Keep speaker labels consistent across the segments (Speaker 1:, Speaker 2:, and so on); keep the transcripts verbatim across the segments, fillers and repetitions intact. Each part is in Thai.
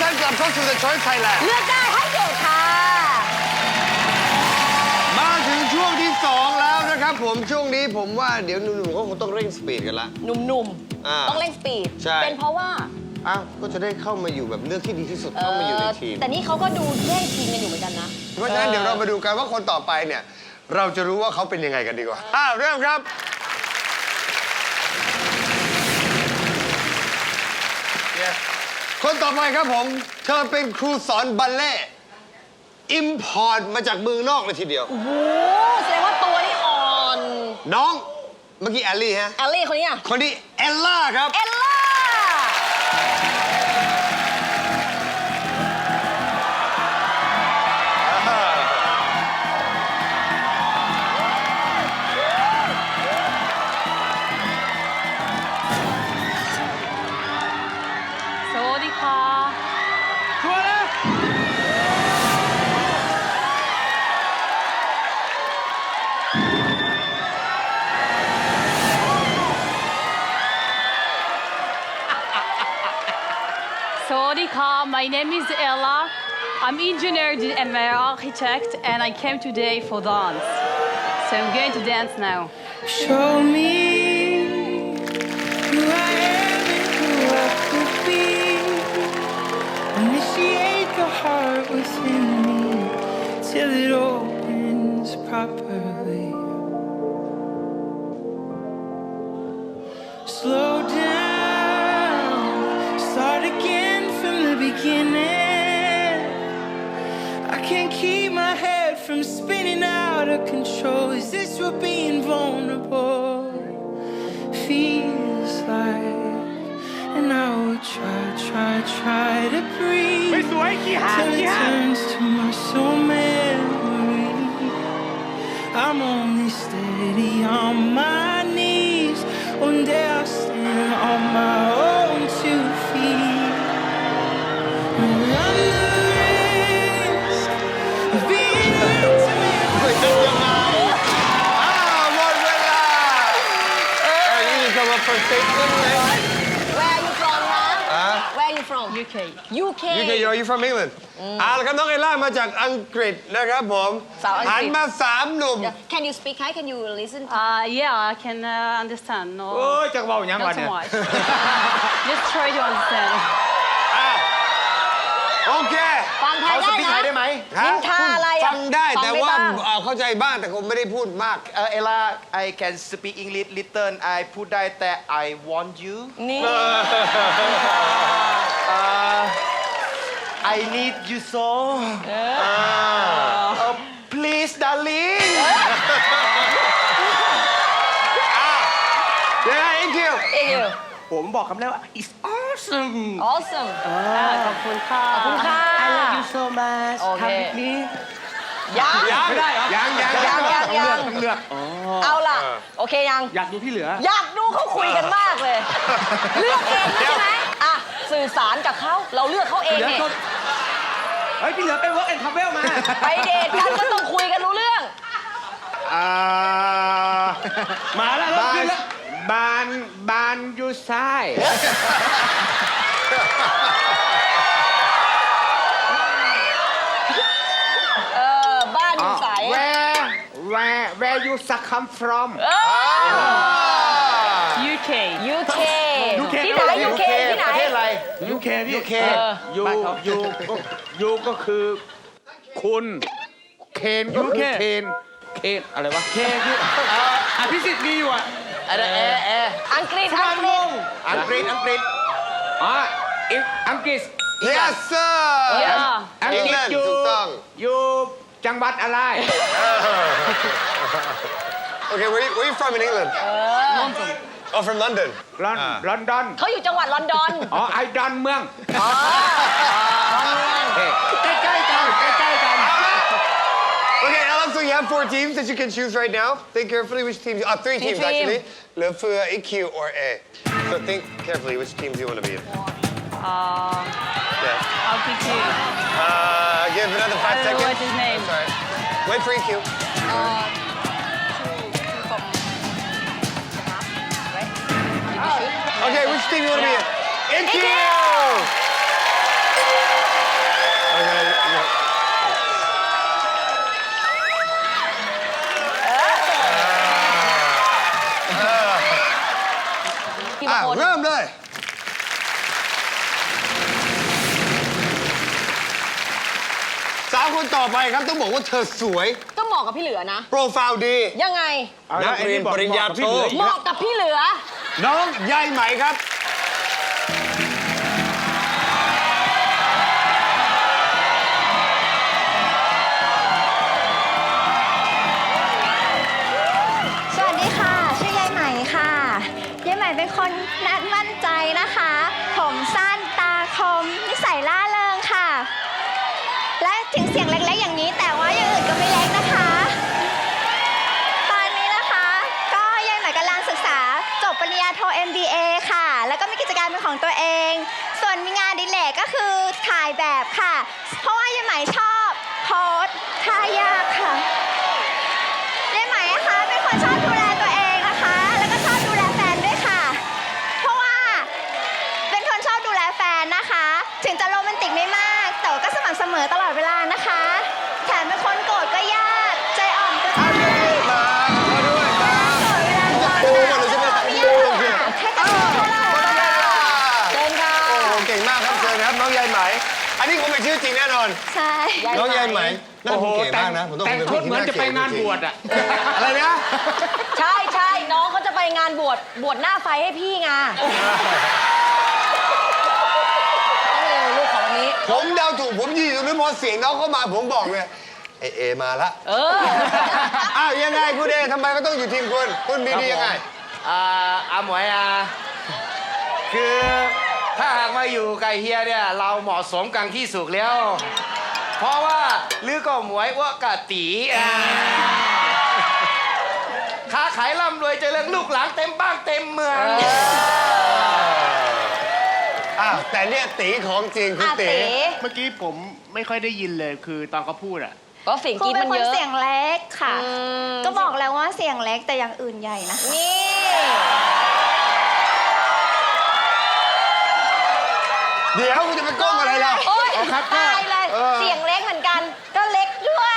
Speaker 1: ต้อนรับเข้าสู่ The Choice Thailand
Speaker 2: เลือกได้ให้โจทย์ค่ะ
Speaker 1: มาถึงช่วงที่สองแล้วนะครับผมช่วงนี้ผมว่าเดี๋ยวหนุ่มๆก็คงต้องเร่งสปีดกันละ
Speaker 2: หนุ่ม
Speaker 1: อ่า
Speaker 2: ๆ ต้องเร่งสปีด
Speaker 1: ใช่
Speaker 2: เป็นเพราะว่า
Speaker 1: อ้าวก็จะได้เข้ามาอยู่แบบเลือกที่ดีที่สุด
Speaker 2: เอ
Speaker 1: เข้ามาอยู่ใน
Speaker 2: อ
Speaker 1: ทีม
Speaker 2: แต่นี่เขาก็ดูแย่งทีมกันอยู่เหมือนกันนะ
Speaker 1: เพราะฉะนั้นเดี๋ยวเรามาดูกันว่าคนต่อไปเนี่ย เราจะรู้ว่าเขาเป็นยังไงกันดีกว่าอ้าวเริ่มครับคนต่อไปครับผมเธอเป็นครูสอนบัลเล่ต์อิมพอร์ตมาจากเมืองนอกเลยทีเดียว
Speaker 2: โอ้โหแสดงว่าตัวนี่อ่อน
Speaker 1: น้องเมื่อกี้แอลลี่ฮะ
Speaker 2: แอลลี่คนนี้อ่ะ
Speaker 1: คนนี้เอลล่าครับ
Speaker 2: เอลล่า
Speaker 3: สวัสดีค่ะ
Speaker 4: ชัวร์นะ
Speaker 3: สวัสดีค่ะ My name is Ella. I'm engineer and an architect, and I came today for dance. So I'm going to dance now.
Speaker 5: Show me who I am and who I could be. Initiate the heart within me till it opens properly. Slow down, start again from the beginning. I can't keep my head from spinning out of control. Is this what being vulnerable feels like? And I will try, try, try to breathe
Speaker 4: ไม่สวยขี้ห่าง
Speaker 5: till
Speaker 4: ขี้
Speaker 5: it
Speaker 4: ห่าง
Speaker 5: turns to muscle memory. I'm only steady on my knees. One day I'll stand on my own two feet. And run the risk of being intimate.
Speaker 1: ไม่เป็นยังไงอ้าวหมดเวลาเอ้ยนี่จะมาเปิดเซ็ตกันไหม
Speaker 2: Where are you from นะ
Speaker 1: อ่ะ
Speaker 2: Where are you from
Speaker 3: U K.
Speaker 2: U K
Speaker 1: You can you from England อ่าแล้วครับน้องเอลล่ามาจากอังกฤษนะครับผม
Speaker 2: สาวอังกฤษ
Speaker 1: หันมาสามหนุ่ม
Speaker 2: Can you speak Thai Can you listen
Speaker 3: Uh, yeah, I can uh, understand.
Speaker 4: โอ้
Speaker 3: No,
Speaker 4: ยจักเบาอย่างวะ
Speaker 3: not
Speaker 4: เนี่
Speaker 3: so
Speaker 4: ย
Speaker 3: much. Just try to understand.
Speaker 1: อ่ะโอเค
Speaker 2: ฟังไทย
Speaker 4: เขาส
Speaker 2: ได้
Speaker 4: ปีกไทยได้
Speaker 2: นะ
Speaker 4: ไหม
Speaker 1: ฮะ
Speaker 2: นินทาอะไรอะ
Speaker 1: ฟังได้
Speaker 2: ฟัง
Speaker 1: แต่
Speaker 2: ได้
Speaker 1: ว่า
Speaker 2: บ้าง
Speaker 1: เอ่อเข้าใจบ้างแต่ผมไม่ได้พูดมาก
Speaker 6: เออเอล่า I can speak English little I พูดได้แต่ I want you
Speaker 2: นี่
Speaker 6: I need you so เออ please darling
Speaker 1: เดี๋ยวนะ thank you
Speaker 2: เอย
Speaker 6: ผมบอกคำแรกว่า it's awesome
Speaker 2: awesome
Speaker 3: อ่าขอบคุณค่ะ
Speaker 2: ขอบคุณค่ะ
Speaker 6: I love you so much
Speaker 2: โอเค
Speaker 6: Come with me
Speaker 2: ยัง
Speaker 1: ยัง
Speaker 4: ไม่ได้เหรอ
Speaker 1: ยังยัง
Speaker 2: ยังยังยัง
Speaker 4: ต้องเลือก
Speaker 2: เอาล่ะ โอเคยัง
Speaker 4: อยากดูที่เหลือ
Speaker 2: อยากดูเขาคุยกันมากเลย เลือกเองใช่ไหมอ่ะ สื่อสารกับเขาเราเลือกเขาเอง
Speaker 4: เหลือ
Speaker 2: เนี่ย
Speaker 4: ก็เฮ้ยที่เหลือไป work and travel มา
Speaker 2: ไปเดทกันก็ต้องคุยกันรู้เรื่อง
Speaker 6: อ่า
Speaker 4: มาแล้วเริ่ม
Speaker 6: บ้า
Speaker 4: ขึ้
Speaker 6: น
Speaker 4: นแล้ว
Speaker 6: บ้านบ้านอยู่ซ้าย
Speaker 2: เออ บ้านอยู่ใส
Speaker 6: where where where you come from
Speaker 2: เออ
Speaker 3: U K.
Speaker 2: U K ที่ไหน U K ที่ไหน
Speaker 6: ประเทศอะไร
Speaker 4: ยูเคพี่
Speaker 6: ยูเค
Speaker 2: เออ
Speaker 6: ยูยูยูก็คือคุณ เคนก็คือเคน เคนอะไรวะ
Speaker 4: เคคืออภิสิทธิ์มีอยู่อ่ะ
Speaker 6: อะไรแอร์แอร์
Speaker 2: อังกฤษ อังกฤษ
Speaker 6: อังกฤษ อังกฤษ
Speaker 4: อ๋ออิอังกฤษ
Speaker 1: yes sir
Speaker 3: Yeah.
Speaker 4: อังกฤษ
Speaker 1: England
Speaker 4: อยู่
Speaker 1: ถูกต้อง
Speaker 4: อยู่จังหวัดอะไร
Speaker 1: Okay where you, where you from in England
Speaker 3: London.
Speaker 1: oh from London
Speaker 4: ลอน
Speaker 1: อ่า
Speaker 4: ลอนดอน
Speaker 2: เขาอยู่จังหวัดลอนดอน
Speaker 4: อ๋อไอดอนเมือง
Speaker 2: อ๋อ
Speaker 4: ใกล้ๆกันใกล้ๆกัน
Speaker 1: Okay Alex so you have four teams that you can choose right now think carefully which teams oh three teams
Speaker 2: team.
Speaker 1: actually เหลือเฟือ A Q or A so think carefully which teams you want to be in
Speaker 3: Uh,
Speaker 1: yeah
Speaker 3: I'll pick you.
Speaker 1: uh give another five
Speaker 3: I don't know
Speaker 1: seconds
Speaker 3: what's his name.
Speaker 1: Sorry wait for E Q Okay which team you want to be in E Q
Speaker 2: ทีละ
Speaker 1: อ่ะ
Speaker 2: คน
Speaker 1: เริ่มเลย สาวคนต่อไปครับต้องบอกว่าเธอสวย
Speaker 2: ก็เหมาะกับพี่เหลือนะ
Speaker 1: โปรไฟล์ดี
Speaker 2: ยังไง
Speaker 1: นักเรียนปริญญาโท
Speaker 2: เหมาะกับพี่เหลือ
Speaker 1: น้องใยไหมครับ
Speaker 7: สวัสดีค่ะ ชื่อยายไหมค่ะยายไหมเป็นคนนัดมั่นใจนะคะ ผมสั้นตาคมนิสัยล่าเริงค่ะ และถึงเสียงเล็กๆอย่างนี้แต่ว่าอย่างอื่นก็ไม่เล็กนะคะ ตอนนี้นะคะก็ยายไหมกำลังศึกษาจบปริญญาโท เอ็ม บี เอ ค่ะ แล้วก็มีกิจการเป็นของตัวเอง ส่วนมีงานอดิเลกก็คือถ่ายแบบค่ะ เพราะว่ายายไหมชอบโพสท่ายากค่ะ ยายไหมนะคะเป็นคนชอบดูแลตัวเองนะคะ แล้วก็ชอบดูแลแฟนด้วยค่ะ เพราะว่าเป็นคนชอบดูแลแฟนนะคะ ถึงจะโรแมนติกไม่มาก แต่ก็สม่ำเสมอตลอดเวลานะคะ แถมเป็นคนโกรธก็ยาก ใจอ่อนก็ง่าย
Speaker 1: มามาด้วยมา
Speaker 7: โกรธเวลาร้อน
Speaker 1: ดูก่อนเลยใช่ไหม
Speaker 7: ไม่ยากค่ะแค่กระโดดเท่านั้น
Speaker 2: เชิญค่ะ
Speaker 1: โอ้โหเก่งมากครับเชิญครับน้องใยไหม อันนี้คงเป็นชื่อจริงแน่นอน
Speaker 7: ใช่
Speaker 1: น้องใยไหมน่า
Speaker 4: โอ้โห
Speaker 1: คงเก๋
Speaker 4: แต่
Speaker 1: มาง กนะผมต้อง
Speaker 4: แต่ง
Speaker 1: ป็
Speaker 4: ชุด
Speaker 1: ผู้
Speaker 4: เหมือนจะไปงาน
Speaker 1: จริ
Speaker 4: บวชอ่ะ
Speaker 1: อะไรนะ
Speaker 2: ใช่ใช่น้องเขาจะไปงานบวชบวชหน้าไฟให้พี่ไงต้องเร็วลูกของวันนี้
Speaker 1: ผมเดาถูกผมยืนอยู่ตรงนี้พอเสียงน้องเข้ามาผมบอกเลยเอเอมาละ
Speaker 2: เออ
Speaker 1: อ้าวยังไงคุณเอทำไมก็ต้องอยู่ทีมคุณคุณมีดียังไง
Speaker 8: อ่าอาหมวยอ่ะคือถ้าหากมาอยู่กับเฮียเนี่ยเราเหมาะสมกันที่สุดแล้ว เพราะว่าลือก็หมวยอ้วกกะตีอ่าค้าขายร่ำรวยเจริญลูกหลานเต็มบ้านเต็มเมือง
Speaker 1: อ้าวแต่เนี่ยตีของจริงคุณ
Speaker 2: อา
Speaker 1: ตี
Speaker 2: ตี
Speaker 9: เมื่อกี้ผมไม่ค่อยได้ยินเลยคือตอนเขาพูดอะ
Speaker 2: ก็เสียง
Speaker 7: ครู
Speaker 2: กรีด
Speaker 7: เป็
Speaker 2: มัน น
Speaker 7: คน
Speaker 2: เยอะ
Speaker 7: เสียงเล็กค่ะ
Speaker 2: อืม
Speaker 7: ก็บอกแล้วว่าเสียงเล็กแต่อย่างอื่นใหญ่นะ
Speaker 2: นี่
Speaker 1: เดี๋ยวคุณจะไปก้มอะไรล่ะ
Speaker 2: โอ๊ย
Speaker 1: เอาครับก็
Speaker 2: ตายเลย
Speaker 1: เออ
Speaker 2: เสียงเล็กเหมือนกัน ก็เล็กด้วย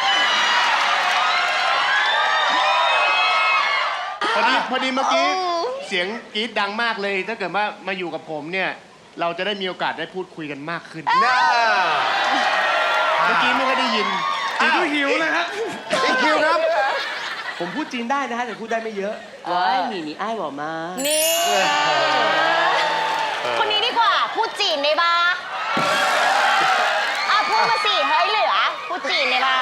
Speaker 9: พอดีพอดีเมื่อกี้เสียงกรี๊ดดังมากเลย ถ้าเกิดว่ามาอยู่กับผมเนี่ย เราจะได้มีโอกาสได้พูดคุยกันมากขึ้น
Speaker 1: น่า
Speaker 9: เมื่อกี้ไม่ค่อยได้ยิน
Speaker 1: อ้าวหิวนะครับอีคิวครับ
Speaker 10: ผมพูดจีนได้นะฮะแต่พูดได้ไม่เยอะอ๋อหนีหนีอ้ายบอกมา
Speaker 2: นี่ คนนี้ดีกว่า พูดจีนได้ปะอ่ะพูดมาสิ เฮ้ยเหลือ พูดจีนได้ปะ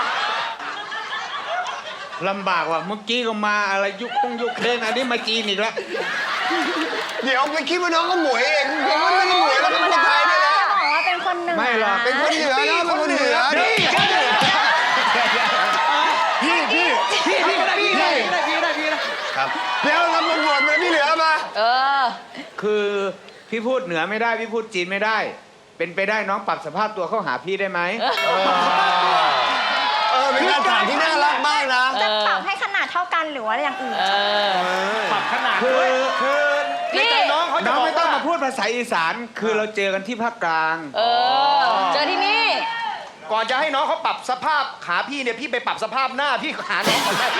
Speaker 6: ลำบากว่ะเมื่อกี้ก็มาอะไรยุคคงยุคเครนอันนี้มาจีนอีกแล้ว
Speaker 1: เดี๋ยวไปคิดว่าน้องก็หมวยเองผมว่าน้องก็หมวยแล้วเป็นคนไทยด้วยนะ
Speaker 7: จะบอกว่าเป็นคนเหนือ
Speaker 6: ไม่หรอก
Speaker 1: เป็นคนเหนือนะเป็นคนเหนือ
Speaker 6: นี่
Speaker 9: พี่พี่
Speaker 6: พี่พี่ก็ได้พี่ได้พี่ได้พี่ได้พี่ได้
Speaker 1: ครับเดี๋ยวเรามาบวชมาพี่เหลือมา
Speaker 2: เออ
Speaker 6: คือพี่พูดเหนือไม่ได้พี่พูดจีนไม่ได้ เป็นไปได้น้องปรับสภาพตัวเข้าหาพี่ได้ไหม
Speaker 1: เออเป็นการถามที่น่ารักมากนะ
Speaker 7: จะปรับให้ขนาดเท่ากันหรือว่าอย่างอื่น
Speaker 9: ปรับขนาด
Speaker 6: คื
Speaker 9: ด้
Speaker 6: อ
Speaker 9: วย
Speaker 6: คือในใจน้องเขาจะ
Speaker 8: น้อง
Speaker 6: บอก
Speaker 8: ไม่ต้อง
Speaker 6: ว่า
Speaker 8: มาพูด
Speaker 6: ภาษาอีสานคือเราเจอกันที่ภาคกลาง
Speaker 2: เออ เจอที่นี่
Speaker 8: ก่อนจะให้น้องเขาปรับสภาพขาพี่เนี่ยพี่ไปปรับสภาพหน้าพี่หาน้องก่อนได้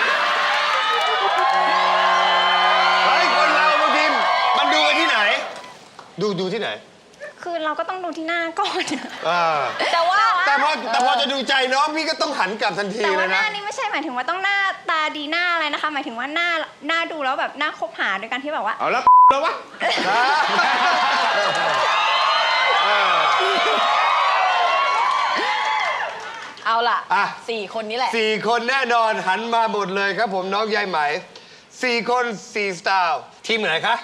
Speaker 1: เฮ้ยคนเราบางทีมันดูกันที่ไหน ดูดูที่ไหน
Speaker 7: คือเราก็ต้องดูที่หน้าก่อน
Speaker 1: อ่า
Speaker 2: แต่ว่า
Speaker 1: แต่พอแต่พอจะดูใจน้องพี่ก็ต้องหันกลับทันที
Speaker 7: แต่
Speaker 1: เล
Speaker 7: ว่าย ห
Speaker 1: นะ
Speaker 7: น้านี่ไม่ใช่หมายถึงว่าต้องหน้าตาดีหน้าอะไรนะคะ หมายถึงว่าหน้าหน้าดูแล้วแบบหน้าคบหาโดยการที่แบบว่า
Speaker 6: เอาแล้วแล้ววะ
Speaker 2: เอาล่ะ
Speaker 1: อ่ะ
Speaker 2: สี่คนนี้แหละ
Speaker 1: สี่คนแน่นอนหันมาหมดเลยครับผมน้องยายไหมสี่คนสี่สไตล์ทีมไหนคะ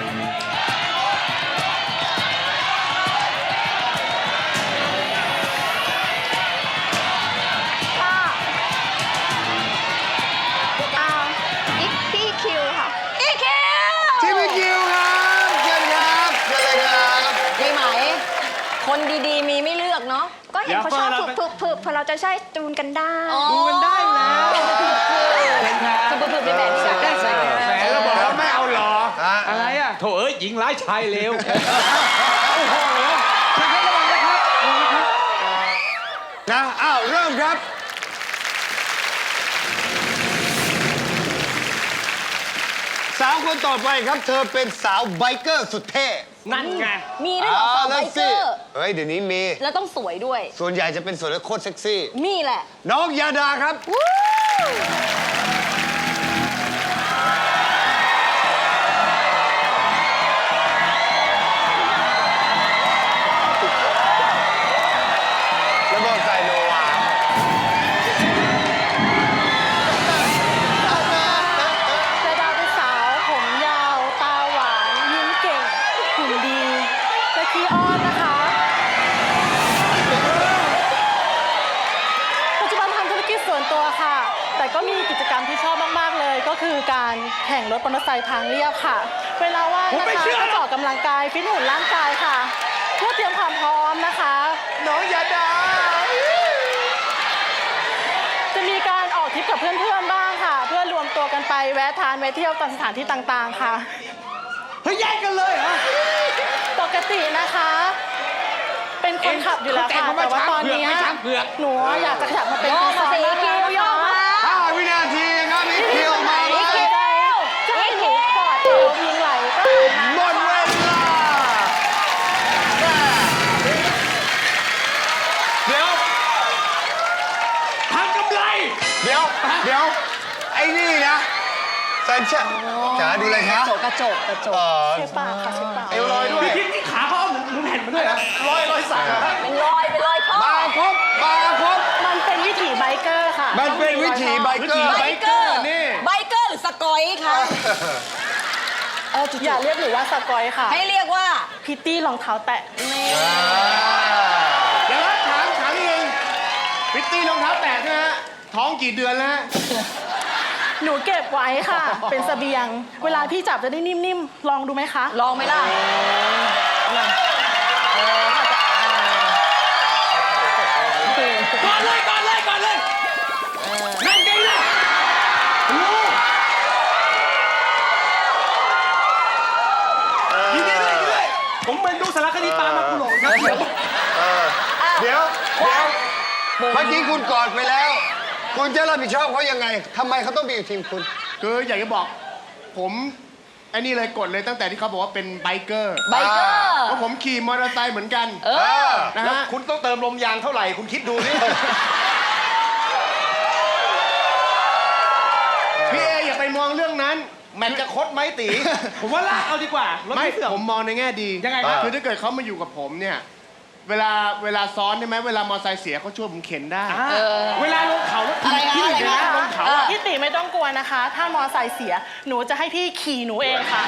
Speaker 7: ก็เอาอีกพี่คิวค่ะ
Speaker 2: อีคิว
Speaker 1: ทีมพี่คิวครับเชิญครับเชิญเลยครับ
Speaker 2: พี่ไหม คนดีๆ มีไม่เลือกเนาะ
Speaker 7: ก็เห็นเขาชอบผึบผึบๆๆพอเราจะใช้จูนกันได้
Speaker 2: ดูกันได้แล้วคือเพื่อนๆไปแบบนี้ได้ใช่
Speaker 6: แหมเราบอกแล้วไม่เอาหรอ
Speaker 1: อ่ะ
Speaker 6: อะไรอ่ะโถเอ้ยหญิงร้ายชายเลวโอ้โหช่างให้ระวังนะครับระวังนะครับ
Speaker 1: นะอ้าวเริ่มครับสาวคนต่อไปครับ เธอเป็นสาวไบเกอร์สุดเท่
Speaker 10: นั่นไง
Speaker 2: มีด้วยเหรอสาวไบ
Speaker 1: แล้ว
Speaker 2: เก
Speaker 1: สิ
Speaker 2: อร์
Speaker 1: เฮ้ย เดี๋ยวนี้มี
Speaker 2: แล้วต้องสวยด้วย
Speaker 1: ส่วนใหญ่จะเป็นส่วนโคตรเซ็กซี่
Speaker 2: นี่แหละ
Speaker 1: น้องยาดาครับ แล้วบอกใส่โนวา
Speaker 3: จะดาวเป็นสาวผมยาว ตาหวาน ยิ้มเก่งหุ่นดีและขี้อ้อนนะคะ ปัจจุบันทำธุรกิจส่วนตัวค่ะ แต่ก็มีกิจกรรมที่ชอบมากๆเลย ก็คือการแข่งรถมอเตอร์ไซค์ทางเรียบค่ะ เวลาว่างนะคะก็จะออกกำลังกายฟิตหุ่นร่างกายค่ะ เพื่อเตรียมความพร้อมนะคะ
Speaker 1: น้องยาดา
Speaker 3: จะมีการออกทริปกับเพื่อนๆบ้างค่ะ เพื่อรวมตัวกันไปแวะทานแวะเที่ยวตามสถานที่ต่างๆค่ะ
Speaker 10: เฮ้ยแยกกันเลยเหรอ
Speaker 3: ปกตินะคะ เป็นคนขับอยู่แล้วค่ะ แต่ว่าตอนนี้หนูอยากจะขยับมาเป็น
Speaker 2: โย
Speaker 3: ค
Speaker 2: ก
Speaker 3: น
Speaker 2: มา
Speaker 3: ซ้อน
Speaker 2: สิ
Speaker 3: นะ
Speaker 2: คิ
Speaker 3: คะ
Speaker 2: วโยกมา
Speaker 1: ห้าวินาทีครับอีกคิวมา
Speaker 2: อี
Speaker 1: เล
Speaker 2: คิ
Speaker 1: ยว
Speaker 3: จะให้หนูกอดเอวพิงไหลก็
Speaker 1: หมดเวลา
Speaker 6: เดี๋ยวทำกำไร
Speaker 1: เดี๋ยว เดี๋ยว ไอ้นี่นะสัญชาจ๋าดูเลยครับ
Speaker 2: กระจกกระจก
Speaker 1: เออ
Speaker 3: เชฟปากค่ะเชฟปาก
Speaker 1: เอวลอยด้วย
Speaker 10: พี่ที่ขาเขาเอาหมุนหมุนแผ่นมาด้วยเหรอ
Speaker 1: ลอยลอยสัก
Speaker 2: เป็นรอยเป็นรอยท่อ
Speaker 1: มาครบมาครบ
Speaker 3: มันเป็นวิถีไบเกอร์ค่ะ
Speaker 1: มันเป็นวิถีไบเกอร์
Speaker 2: ไบเกอร์ไบเกอร์หรือสกอยคะเออจุด
Speaker 3: อย่าเรียกหนูว่าสกอยค่ะ
Speaker 2: ให้เรียกว่า
Speaker 3: พิตตี้รองเท้าแตะ
Speaker 9: เดี๋ยวนะถามถามนิดนึงพิตตี้รองเท้าแตะใช่ไหมฮะท้องกี่เดือนแล้วฮะ
Speaker 3: หนูเก็บไว้ค่ะ เป็นเสบียง เวลาพี่จับจะได้นิ่มๆ ลองดูไหมคะ
Speaker 2: ลองไหมล่ะเออเขาจะอ่า
Speaker 10: ก่อนเลยก่อนเลยก่อนเลยนั่นไงล่ะโอ้ยินดีด้วยยินดีด้วยผมเป็นดูสารคดีปลามาคุณหลงครับ
Speaker 1: เดี๋ยว เดี๋ยว เมื่อกี้คุณกอดไปแล้ว คุณจะรับผิดชอบเขายังไงทำไมเขาต้องไปอยู่ทีมคุณ
Speaker 9: คืออยากจะบอกผมไอ้นี่เลยกดเลยตั้งแต่ที่เขาบอกว่าเป็นไบเกอร์
Speaker 2: ไบเกอร์
Speaker 9: เพราะผมขี่มอเตอร์ไซค์เหมือนกัน
Speaker 2: เออ
Speaker 9: นะ
Speaker 8: แล้ว
Speaker 9: ฮะ
Speaker 8: คุณต้องเติมลมยางเท่าไหร่ คุณคิดดูสิ
Speaker 9: พี่เออย่าไปมองเรื่องนั้น
Speaker 8: แมตช์จะคดไหมตี
Speaker 10: ผมว่าลากเอาดีกว่ารถ
Speaker 9: ไม่
Speaker 10: ไม่เสื่อม
Speaker 9: ผมมองในแง่ดี
Speaker 10: ยังไงครับ
Speaker 9: คือถ้าเกิดเขามาอยู่กับผมเนี่ย เวลาเวลาซ้อนใช่ไหมเวลามอเตอร์ไซค์เสียเขาช่วยผมเข็นได้
Speaker 10: อ่าเวลาลงเขาแล้ว
Speaker 2: อะไรนะ
Speaker 10: ที่
Speaker 2: อะไร
Speaker 10: เดี๋ยว
Speaker 2: นะ
Speaker 10: นะลงเขา
Speaker 2: เออ
Speaker 3: พี่ติไม่ต้องกลัวนะคะ ถ้ามอไซค์เสีย หนูจะให้พี่ขี่หนูเองค่ะ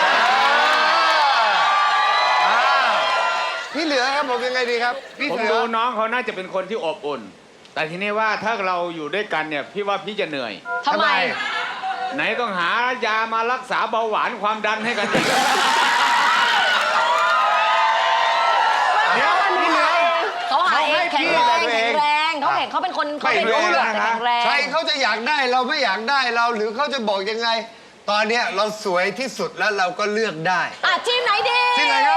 Speaker 1: พี่เหลือครับผมยังไงดีครับ พี่
Speaker 6: ผม
Speaker 1: เหลือ
Speaker 6: ดูน้องเขาน่าจะเป็นคนที่อบอุ่น แต่ทีนี้ว่าถ้าเราอยู่ด้วยกันเนี่ย พี่ว่าพี่จะเหนื่อย
Speaker 2: ทำไม
Speaker 6: ไหนต้องหายามารักษาเบาหวานความดันให้กันอีก
Speaker 9: เดี๋ยวพี่เหลือ
Speaker 2: เขาหาเองแข็งแรง
Speaker 1: ให้พี่
Speaker 2: แข็งแรงเขาแข็งเขาเป็นคนเขาเป็น
Speaker 1: ไม่รู้
Speaker 2: คน
Speaker 1: หรอก
Speaker 2: แต่แข็งแรง
Speaker 1: ใครเขาจะอยากได้เราไม่อยากได้เราหรือเขาจะบอกยังไง ตอนเนี้ยเราสวยที่สุดแล้วเราก็เลือกได้
Speaker 2: อ่ะทีมไหนดี
Speaker 1: ทีมไหนครับ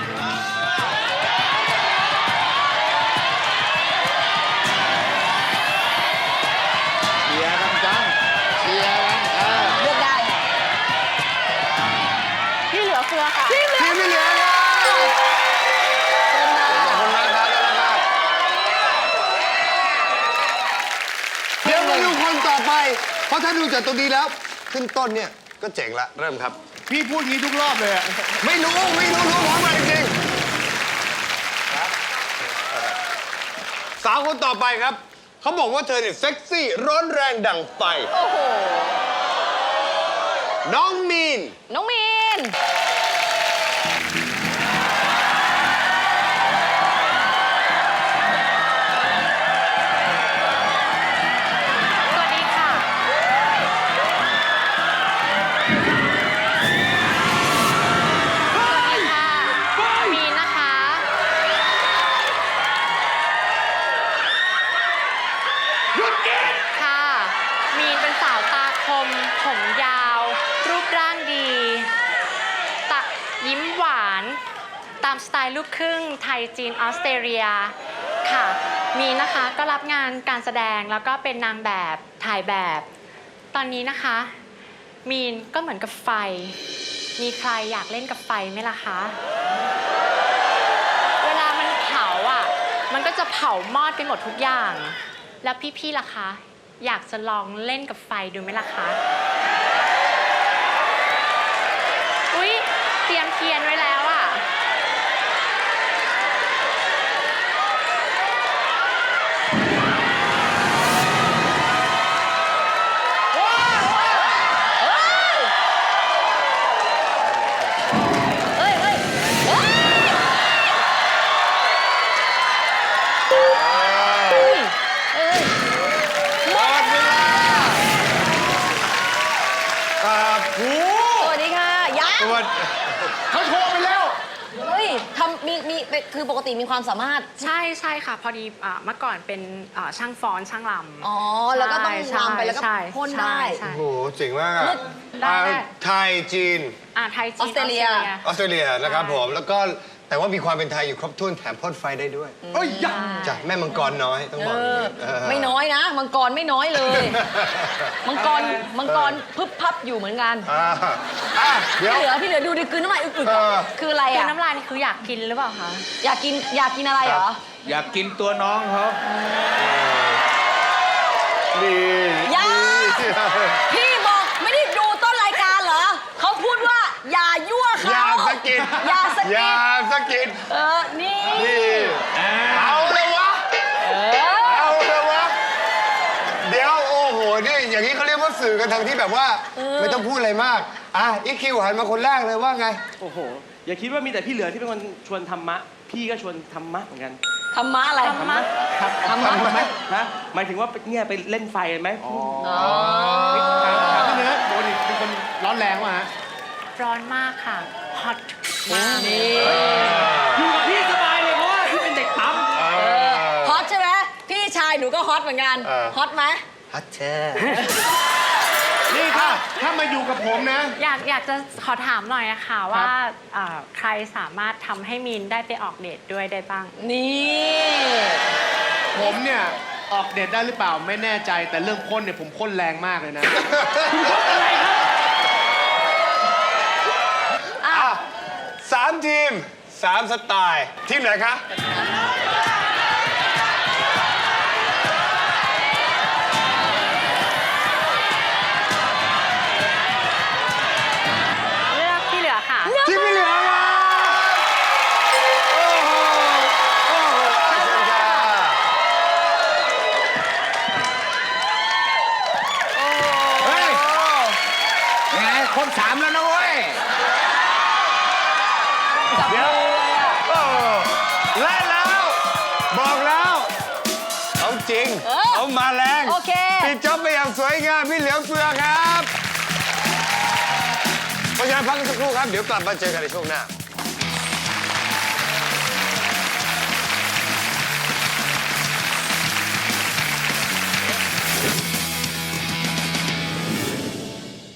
Speaker 6: เชียร์กันจัง
Speaker 1: เชียร์กันเออ
Speaker 2: เลือกได้
Speaker 3: พี่เหลือเฟือค่ะ
Speaker 1: ทีมพี่เหลือครับขอบคุณมากครับขอบคุณมากเดี๋ยวมาดูคนต่อไป เพราะถ้าดูจากตรงนี้แล้ว ขึ้นต้นเนี่ยก็เจ๋งละเริ่มครับ
Speaker 9: พี่พูดงี้ทุกรอบเลยอะ
Speaker 1: ไม่รู้ ไม่รู้รู้พร้อมกันจริงๆสาวคนต่อไปครับ เขาบอกว่าเธอเนี่ยเซ็กซี่ร้อนแรงดั่งไฟ
Speaker 2: โอ้โห
Speaker 1: น้องมีน
Speaker 2: น้องมีน
Speaker 3: สวัสดีค่ะ สวัสดีค่ะ มีนนะคะ
Speaker 10: หยุดกิน
Speaker 3: ค่ะ มีนเป็นสาวตาคม ผมยาว รูปร่างดีตะยิ้มหวาน ตามสไตล์ลูกครึ่งไทยจีนออสเตรเลียค่ะ มีนนะคะก็รับงานการแสดงแล้วก็เป็นนางแบบถ่ายแบบ ตอนนี้นะคะมีนก็เหมือนกับไฟ มีใครอยากเล่นกับไฟไหมล่ะคะ เวลามันเผาอ่ะ มันก็จะเผามอดไปหมดทุกอย่าง แล้วพี่ๆล่ะคะ อยากจะลองเล่นกับไฟดูไหมล่ะคะ อุ๊ย เตรียมเทียนไว้แล้วอ่ะ
Speaker 2: เฮ้ยเฮ้ยเฮ้ยเฮ้ยเฮ้ย
Speaker 1: หมดเวลาครับ
Speaker 2: สวัสดีค่ะยัง
Speaker 1: สวัสดีเขาโทรไปแล้ว
Speaker 2: เฮ้ยทำมีมีเป็นคือปกติมีความสามารถ
Speaker 3: ใช่ใช่ค่ะ พอดีอ่าเมื่อก่อนเป็นอ่าช่างฟ้อนช่างลำ
Speaker 2: อ๋อ แล้วก็ต้อง
Speaker 3: ใช่
Speaker 2: รำไปแล้วก็
Speaker 3: ใช่
Speaker 2: พ่นได้
Speaker 3: ใช่
Speaker 1: โอ้โหเจ๋งมากอะ
Speaker 3: ได้ได้
Speaker 1: อ่าไทยจีน
Speaker 3: อ่าไทยจีน
Speaker 2: ออสเตรเลีย
Speaker 1: ออสเตรเลียนะครับผม แล้วก็แต่ว่ามีความเป็นไทยอยู่ครบถ้วนแถมพ่นไฟได้ด้วย
Speaker 6: เอ้ยยะ
Speaker 1: จากแม่มังกรน้อยต้อง
Speaker 2: เอ
Speaker 1: บอกอย่าง
Speaker 2: อ
Speaker 1: นี้เออ
Speaker 2: ไม่น้อยนะ มังกรไม่น้อยเลย มังกร มังกรพึบพับอยู่เหมือนกัน
Speaker 1: อ่าอ่ะเดี๋ยว
Speaker 2: พี่เหลือ พี่เหลือดูดิกลืนน้ำลายอึก
Speaker 1: เออ
Speaker 2: ๆคืออะไร
Speaker 3: คือ
Speaker 2: อ่ะ
Speaker 3: น้ำลายนี่คืออยากกินหรือเปล่าคะ
Speaker 2: อยากกิน อยากกินอะไรเหรอ
Speaker 6: อยากกินตัวน้องเขา
Speaker 1: นี่
Speaker 2: อย่า พี่บอกไม่ได้ดูต้นรายการเหรอ เขาพูดว่า อย่ายั่วเขา
Speaker 1: อย่าสะกิด
Speaker 2: อย่าสะ
Speaker 1: อ
Speaker 2: กิ
Speaker 1: ย่า
Speaker 2: ด
Speaker 1: สะกิด
Speaker 2: เออ นี่
Speaker 1: นี่เอาเลยวะ
Speaker 2: เออ
Speaker 1: เอาเลยวะ เดี๋ยวโอ้โห นี่อย่างนี้เขาเรียกว่าสื่อกันทางที่แบบว่า ไม่ต้องพูดอะไรมาก อ่ะอีคิวหันมาคนแรกเลยว่าไง
Speaker 10: โอ้โห อย่าคิดว่ามีแต่พี่เหลือที่เป็นคนชวนธรรมะ พี่ก็ชวนธรรมะเหมือนกัน
Speaker 2: ธรรมะอะไร
Speaker 3: ธรรมะ
Speaker 10: ครับ
Speaker 2: ธรรมะ
Speaker 10: ฮะหมายถึงว่าเนี่ยไปเล่นไฟกันไหม
Speaker 2: อ๋อ
Speaker 9: ถามถามพี่เนื้อโดนอีกเป็นคนร้อนแรงว่ะฮะ
Speaker 3: ร้อนมากค่ะ ฮอตมาก
Speaker 2: นี่
Speaker 10: อยู่กับพี่สบายเลยเพราะว่าพี่เป็นเด็กปั๊ม
Speaker 2: ฮอตใช่ไหมพี่ชายหนูก็ฮอตเหมือนกัน
Speaker 1: เออ
Speaker 2: ฮอตไหม
Speaker 1: ฮัทเช่
Speaker 9: นี่ถ้าถ้ามาอยู่กับผมนะ
Speaker 3: อยากอยากจะขอถามหน่อยนะคะว่าอ่าใครสามารถทำให้มีนได้ไปออกเดทด้วยได้บ้าง
Speaker 2: นี่
Speaker 9: ผมเนี่ยออกเดทได้หรือเปล่าไม่แน่ใจ แต่เรื่องพ่นเนี่ยผมพ่นแรงมากเลยนะ
Speaker 2: อ่ะ
Speaker 1: อ่ะสามทีมสามสไตล์ ทีมไหนคะ
Speaker 3: เลือกที่เหลือค่ะ
Speaker 1: ทีมพี่เหลือครับโอ้โห โอ้โหเชิญค่ะ
Speaker 6: เฮ้ยไงคนสามแล้วนะเว้ย
Speaker 1: เดี๋ยวโอ้และแล้ว บอกแล้ว เอาจริง
Speaker 2: เออ
Speaker 1: เอามาแรง
Speaker 2: โอเค
Speaker 1: ปิดจ็อบไปอย่างสวยงาม พี่เหลือเฟือครับเพราะฉะนั้นพักกันสักครู่ครับ เดี๋ยวกลับมาเจอกันในช่วงหน้า